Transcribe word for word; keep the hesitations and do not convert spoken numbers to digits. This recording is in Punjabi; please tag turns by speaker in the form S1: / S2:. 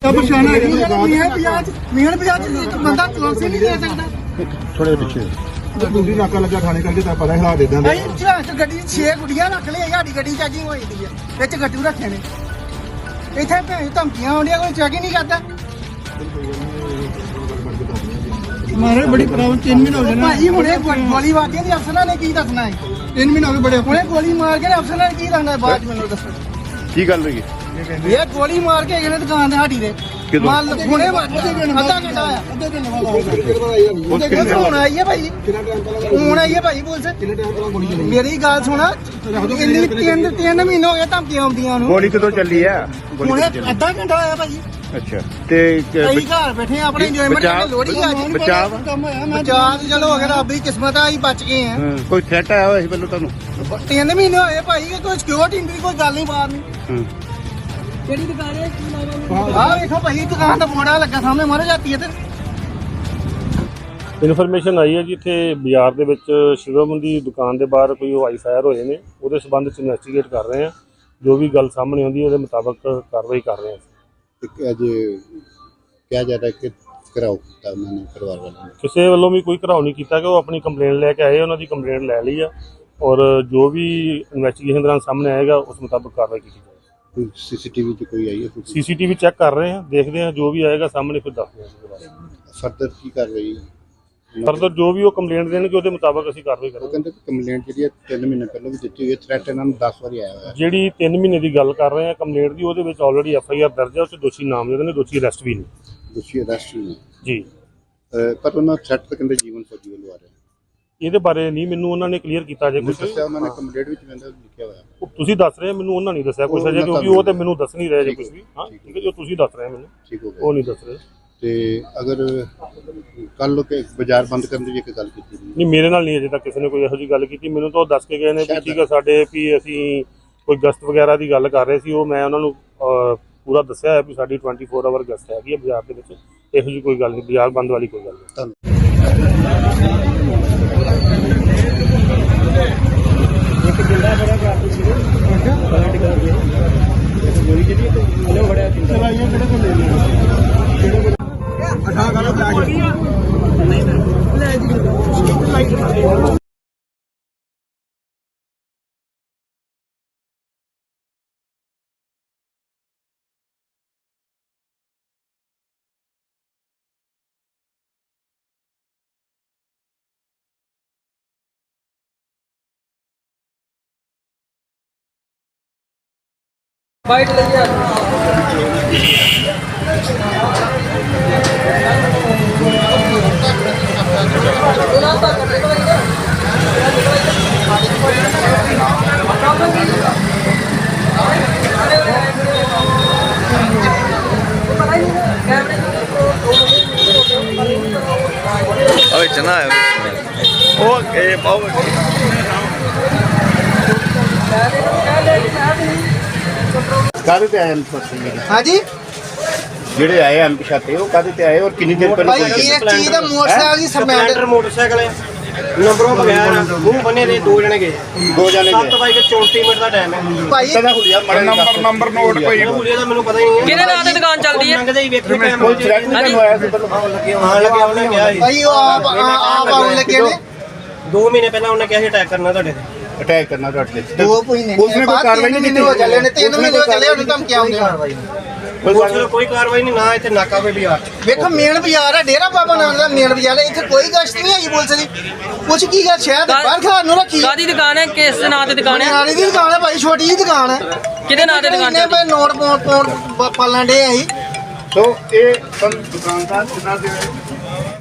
S1: ਪਛਾਣਾ ਮੇਨ ਬਾਜ਼ਾਰ ਮੇਨ ਬਾਜ਼ਾਰ ਚ ਇੱਕ ਬੰਦਾ ਕਲੋਸੇ ਨਹੀਂ ਦੇ ਸਕਦਾ।
S2: ਥੋੜੇ ਪਿੱਛੇ ਦੂਜੀ ਨਾਕਾ ਲੱਗਾ ਥਾਣੇ ਕਰਕੇ ਤਾਂ ਪਤਾ ਹਾਲਾਤ ਇਦਾਂ ਦੇ।
S1: ਭਾਈ ਝਾਂਕ ਗੱਡੀ ਛੇ ਗੁੱਡੀਆਂ ਰੱਖ ਲਈ ਸਾਡੀ ਗੱਡੀ ਚਾਜੀ ਹੋਈ ਦੀ ਹੈ ਵਿੱਚ ਗੱਟੂ ਰੱਖੇ ਨੇ ਇੱਥੇ ਭੈਣ ਧਮਕੀਆਂ ਆਉਂਦੀਆਂ ਕੋਈ ਚੈੱਕ ਹੀ ਨਹੀਂ ਕਰਦਾ। ਮਾਰੇ ਬੜੀ ਪ੍ਰੋਬਲਮ ਤਿੰਨ ਮਹੀਨੇ ਹੋ ਗਏ ਨਾ ਭਾਈ ਹੁਣੇ ਗੋਲੀ ਵਾਰਦੀ ਦੀ ਅਫਸਰਾਂ ਨੇ ਕੀ ਦੱਸਣਾ ਹੈ। ਤਿੰਨ ਮਹੀਨੇ ਹੋ ਗਏ ਬੜੇ ਹੁਣੇ ਗੋਲੀ ਮਾਰ ਕੇ ਅਫਸਰਾਂ ਨੇ ਕੀ ਦੱਸਣਾ ਹੈ ਬਾਅਦ ਮੈਨੂੰ ਦੱਸੋ
S2: ਕੀ ਗੱਲ ਹੋਈ?
S1: ਇਹ ਗੋਲੀ ਮਾਰ ਕੇ ਗਏ ਨੇ ਦੁਕਾਨ ਤੇ ਸਾਡੀ ਦੇ ਮਾਲ ਹੁਣੇ ਅੱਧਾ ਘੰਟਾ ਆਇਆ ਅੱਧੇ ਘੰਟੇ ਬਾਅਦ ਹੁਣ ਆਈ ਹੈ ਭਾਈ ਹੁਣ ਆਈ ਹੈ ਭਾਈ ਪੁਲਿਸ। ਮੇਰੀ ਗੱਲ ਸੁਣਾ ਇੰਨੀ ਤਿੰਨ ਤਿੰਨ ਮਹੀਨੇ ਹੋ ਗਏ ਧਮਕੀਆਂ ਆਉਂਦੀਆਂ ਨੂੰ।
S2: ਗੋਲੀ ਕਦੋਂ ਚੱਲੀ ਆ?
S1: ਹੁਣੇ ਅੱਧਾ ਘੰਟਾ ਆਇਆ ਭਾਈ।
S2: ਅੱਛਾ ਤੇ
S1: ਕਈ ਘਰ ਬੈਠੇ ਆਪਣੇ ਇੰਜੋਇਮੈਂਟ ਕਰਨ ਲੋੜੀ ਆ ਜੀ
S2: ਬਚਾਅ
S1: ਬਚਾਅ ਚਲੋ ਅਗਰ ਰੱਬ ਦੀ ਕਿਸਮਤ ਆ ਅਸੀਂ ਬਚ ਗਏ ਆ।
S2: ਕੋਈ ਥ੍ਰੈਟ ਆਇਆ ਹੋਇਆ ਸੀ ਪਹਿਲਾਂ ਤੁਹਾਨੂੰ?
S1: ਤਿੰਨ ਮਹੀਨੇ ਹੋਏ ਭਾਈ ਕੋਈ ਸਿਕਿਉਰਿਟੀ ਨਹੀਂ ਕੋਈ ਗੱਲ ਨਹੀਂ ਬਾਹਰ ਨਹੀਂ। ਕਿਹੜੀ ਦੁਕਾਨ ਹੈ ਆਹ ਵੇਖੋ ਭਾਈ ਦੁਕਾਨ ਦਾ ਬੋੜਾ ਲੱਗਾ ਸਾਹਮਣੇ ਮਾਰੇ ਜਾਂਦੀ ਹੈ ਤੇ
S3: ਇਨਫੋਰਮੇਸ਼ਨ ਆਈ ਹੈ ਜੀ ਇੱਥੇ ਬਾਜ਼ਾਰ ਦੇ ਵਿੱਚ ਸ਼ਿਵਮ ਦੀ ਦੁਕਾਨ ਦੇ ਬਾਹਰ ਕੋਈ ਹਵਾਈ ਫਾਇਰ ਹੋਏ ਨੇ। ਉਹਦੇ ਸੰਬੰਧ ਚ ਇਨਵੈਸਟੀਗੇਟ ਕਰ ਰਹੇ ਹਾਂ। ਜੋ ਵੀ ਗੱਲ ਸਾਹਮਣੇ ਆਉਂਦੀ ਹੈ ਉਹਦੇ ਮੁਤਾਬਕ ਕਾਰਵਾਈ ਕਰ ਰਹੇ ਹਾਂ।
S2: ਅੱਜ ਕਿਹਾ ਜਾ ਰਿਹਾ ਕਿ ਘਰਾਓ ਕੀਤਾ ਉਹਨਾਂ ਨੇ ਪਰਿਵਾਰ ਵਾਲਿਆਂ ਨੇ?
S3: ਕਿਸੇ ਵੱਲੋਂ ਵੀ ਕੋਈ ਘਰਾਓ ਨਹੀਂ ਕੀਤਾ ਕਿ ਉਹ ਆਪਣੀ ਕੰਪਲੇਂਟ ਲੈ ਕੇ ਆਏ। ਉਹਨਾਂ ਦੀ ਕੰਪਲੇਂਟ ਲੈ ਲਈ ਆ ਔਰ ਜੋ ਵੀ ਇਨਵੈਸਟੀਗੇਸ਼ਨ ਦੌਰਾਨ ਸਾਹਮਣੇ ਆਏਗਾ ਉਸ ਮੁਤਾਬਕ ਕਾਰਵਾਈ ਕੀਤੀ ਜਾਏਗੀ।
S2: ਕੋਈ ਸੀਸੀਟੀਵੀ 'ਚ ਕੋਈ ਆਈ ਹੈ?
S3: ਸੀਸੀਟੀਵੀ ਚੈੱਕ ਕਰ ਰਹੇ ਹਾਂ, ਦੇਖਦੇ ਹਾਂ ਜੋ ਵੀ ਆਏਗਾ ਸਾਹਮਣੇ ਫਿਰ ਦੱਸਦੇ ਹਾਂ।
S2: ਫਰਦਰ ਕੀ ਕਰ ਰਹੀ?
S3: ਫਰਦਰ ਜੋ ਵੀ ਉਹ ਕੰਪਲੇਂਟ ਦੇਣਗੇ ਉਹਦੇ ਮੁਤਾਬਕ ਅਸੀਂ ਕਾਰਵਾਈ
S2: ਉਹ
S3: ਕਰਾਂਗੇ।
S2: ਕਹਿੰਦੇ ਕੰਪਲੇਂਟ ਜਿਹੜੀ ਹੈ ਤਿੰਨ ਮਹੀਨੇ ਪਹਿਲਾਂ ਵੀ ਦਿੱਤੀ ਹੋਈ ਹੈ। ਥ੍ਰੈਟ ਇਹਨਾਂ ਨੂੰ ਦਸ ਵਾਰੀ ਆਇਆ ਹੋਇਆ।
S3: ਜਿਹੜੀ ਤਿੰਨ ਮਹੀਨੇ ਦੀ ਗੱਲ ਕਰ ਰਹੇ ਹਾਂ ਕੰਪਲੇਂਟ ਦੀ, ਉਹਦੇ ਵਿੱਚ ਆਲਰੇਡੀ ਐਫ ਆਈ ਆਰ ਦਰਜ ਹੈ। ਉਸ 'ਚ ਦੋਸ਼ੀ ਨਾਮਜ਼ਦ ਨੇ, ਦੋਸ਼ੀ ਅਰੈਸਟ ਵੀ ਨੇ
S2: ਦੋਸ਼ੀ ਅਰੈਸਟ ਵੀ ਨੇ
S3: ਜੀ।
S2: ਪਰ ਉਹਨਾਂ ਥ੍ਰੈਟ ਤਾਂ ਕਹਿੰਦੇ ਜੀਵਨ ਫੌਜੀ ਵੱਲੋਂ ਆ ਰਿਹਾ।
S3: ਇਹਦੇ ਬਾਰੇ ਨਹੀਂ ਮੈਨੂੰ ਉਹਨਾਂ ਨੇ ਕਲੀਅਰ ਕੀਤਾ ਜੇ ਕੁਝ
S2: ਦੱਸਿਆ ਉਹਨਾਂ ਨੇ ਕੰਪਲੇਂਟ ਵਿੱਚ ਕਹਿੰਦਾ ਲਿਖਿਆ ਹੋਇਆ।
S3: ਤੁਸੀਂ ਦੱਸ ਰਹੇ ਮੈਨੂੰ ਉਹਨਾਂ ਨਹੀਂ ਦੱਸਿਆ ਕੁਝ ਅਜੇ, ਕਿਉਂਕਿ ਉਹ ਤੇ ਮੈਨੂੰ ਦੱਸ ਨਹੀਂ ਰਹੇ ਜੇ ਕੁਝ ਵੀ। ਹਾਂ ਠੀਕ ਹੈ, ਜੋ ਤੁਸੀਂ ਦੱਸ ਰਹੇ ਮੈਨੂੰ
S2: ਠੀਕ ਹੋ
S3: ਉਹ ਨਹੀਂ ਦੱਸ ਰਹੇ।
S2: ਤੇ ਅਗਰ ਕੱਲ ਲੋਕ ਬਾਜ਼ਾਰ ਬੰਦ ਕਰਨ ਦੀ ਵੀ ਇੱਕ ਗੱਲ ਕੀਤੀ
S3: ਨਹੀਂ, ਮੇਰੇ ਨਾਲ ਨਹੀਂ ਅਜੇ ਤੱਕ ਕਿਸੇ ਨੇ ਕੋਈ ਇਹੋ ਜਿਹੀ ਗੱਲ ਕੀਤੀ। ਮੈਨੂੰ ਤਾਂ ਉਹ ਦੱਸ ਕੇ ਗਏ ਨੇ ਵੀ ਠੀਕ ਹੈ ਸਾਡੇ ਵੀ ਅਸੀਂ ਕੋਈ ਗਸ਼ਤ ਵਗੈਰਾ ਦੀ ਗੱਲ ਕਰ ਰਹੇ ਸੀ। ਉਹ ਮੈਂ ਉਹਨਾਂ ਨੂੰ ਪੂਰਾ ਦੱਸਿਆ ਹੈ ਵੀ ਸਾਡੀ ਟਵੈਂਟੀ ਫੋਰ ਆਵਰ ਗਸ਼ਤ ਹੈਗੀ ਹੈ ਬਾਜ਼ਾਰ ਦੇ ਵਿੱਚ। ਇਹੋ ਜਿਹੀ ਕੋਈ ਗੱਲ ਨਹੀਂ, ਬਾਜ਼ਾਰ ਬੰਦ ਵਾਲੀ ਕੋਈ ਗੱਲ ਨਹੀਂ।
S2: ਧੰਨਵਾਦ।
S4: ਇੱਕ ਜਿੰਦਾ ਬੜਾ ਕਰਦੀ ਸੀ ਪਲਟ ਕਰ ਗਿਆ ਗੋਲੀ ਜਿਹੜੀ ਉਹਨੇ ਬੜਿਆ ਸੀ ਚਲਾਈਆਂ ਕਿਹੜੇ ਕੋਲ ਲੈ ਲਿਆ ਕਿਹੜੇ ਅਠਾ ਕਰ ਲੈ ਨਹੀਂ ਲੈ ਜੀ ਲਾਈਟ बाइट ले
S5: अबे चना है ओके बहुत
S2: ਕਾਹਦੇ ਤੇ ਆਏ ਹਨ?
S1: ਹਾਂਜੀ
S2: ਜਿਹੜੇ ਆਏ ਹਨ ਪਛਾਤੇ ਉਹ ਕਾਹਦੇ ਤੇ ਆਏ ਔਰ ਕਿੰਨੀ ਦੇਰ ਪਹਿਲਾਂ?
S1: ਭਾਈ ਇਹ ਚੀਜ਼ ਦਾ ਮੋਟਰਸਾਈਕਲ ਦੀ
S4: ਸਪਲੈਂਡਰ ਮੋਟਰਸਾਈਕਲ ਹੈ ਨੰਬਰੋਂ ਬਗੈਰ ਮੂੰਹ ਬੰਨੇ ਦੇ ਦੋ ਜਣੇ ਗਏ
S2: ਦੋ ਜਣੇ
S4: ਸੱਤ ਵਜੇ ਚੌਂਤੀ ਮਿੰਟ ਦਾ ਟਾਈਮ ਹੈ
S1: ਭਾਈ
S2: ਕਿਹਦਾ ਹੁਲੀਆ ਨੰਬਰ ਨੰਬਰ ਨੋਟ ਭਾਈ
S4: ਹੁਲੀਆ ਦਾ ਮੈਨੂੰ ਪਤਾ ਹੀ ਨਹੀਂ ਹੈ
S6: ਕਿਹਦੇ ਨਾਂ ਤੇ ਦੁਕਾਨ ਚੱਲਦੀ ਹੈ?
S4: ਲੰਘਦੇ ਹੀ ਵੇਖੇ ਟਾਈਮ
S2: ਕੋਈ ਥ੍ਰੈਟ ਨਹੀਂ ਹੋਇਆ ਸੀ ਪਹਿਲਾਂ?
S4: ਹਾਂ ਲੱਗਿਆ ਉਹਨੇ ਕਿਹਾ ਸੀ
S1: ਭਾਈ ਉਹ ਆਪ ਆਪ ਆਉਣ ਲੱਗੇ ਨੇ
S4: ਦੋ ਮਹੀਨੇ ਪਹਿਲਾਂ ਉਹਨੇ ਕਿਹਾ ਸੀ ਅਟੈਕ ਕਰਨਾ ਤੁਹਾਡੇ ਤੇ
S2: ਅਟੈਕ ਕਰਨਾ ਤੁਹਾਡੇ ਤੇ।
S1: ਦੋ ਮਹੀਨੇ
S2: ਪੁਲਿਸ ਨੇ ਕੋਈ ਕਾਰਵਾਈ ਨਹੀਂ ਕੀਤੀ?
S1: ਹੋ ਚੱਲੇ ਨੇ ਤਿੰਨ ਮਹੀਨੇ ਹੋ ਚੱਲੇ ਉਹਨੂੰ ਧਮਕੀਆਂ ਆਉਂਦੀਆਂ।
S4: ਪੁਲਿਸ ਵੱਲੋਂ ਕੋਈ ਕਾਰਵਾਈ ਨਹੀਂ ਨਾ ਇੱਥੇ ਨਾਕਾ ਕੋਈ ਬਾਜ਼ਾਰ
S1: ਵੇਖੋ ਮੇਨ ਬਾਜ਼ਾਰ ਹੈ ਡੇਰਾ ਬਾਬਾ ਨਾਨਕ ਦਾ ਮੇਨ ਬਾਜ਼ਾਰ ਹੈ। ਇੱਥੇ ਕੋਈ ਗਸ਼ਤ ਨਹੀਂ ਹੈਗੀ ਪੁਲਿਸ ਦੀ। ਕੁਛ ਕੀ ਗੱਲ ਸ਼ਹਿਰ ਦੇ ਬਾਹਰ ਖਾਣ ਨੂੰ ਰੱਖੀ
S6: ਕਾਦੀ ਦੁਕਾਨ ਹੈ? ਕਿਸ ਨਾਂ ਤੇ ਦੁਕਾਨ ਹੈ?
S1: ਨਾਲੀ ਦੀ ਦੁਕਾਨ ਹੈ ਭਾਈ, ਛੋਟੀ ਜਿਹੀ ਦੁਕਾਨ ਹੈ।
S6: ਕਿਹਦੇ ਨਾਂ ਤੇ ਦੁਕਾਨ
S1: ਨੇ
S6: ਚੱਲਦੀ?
S1: ਭਾਈ ਨੋਟ ਪਾਉਣ ਪਾਲਣ ਡੇ ਅਸੀਂ।
S2: ਸੋ ਇਹ ਦੁਕਾਨਦਾਰ ਜਿਨ੍ਹਾਂ ਦੇ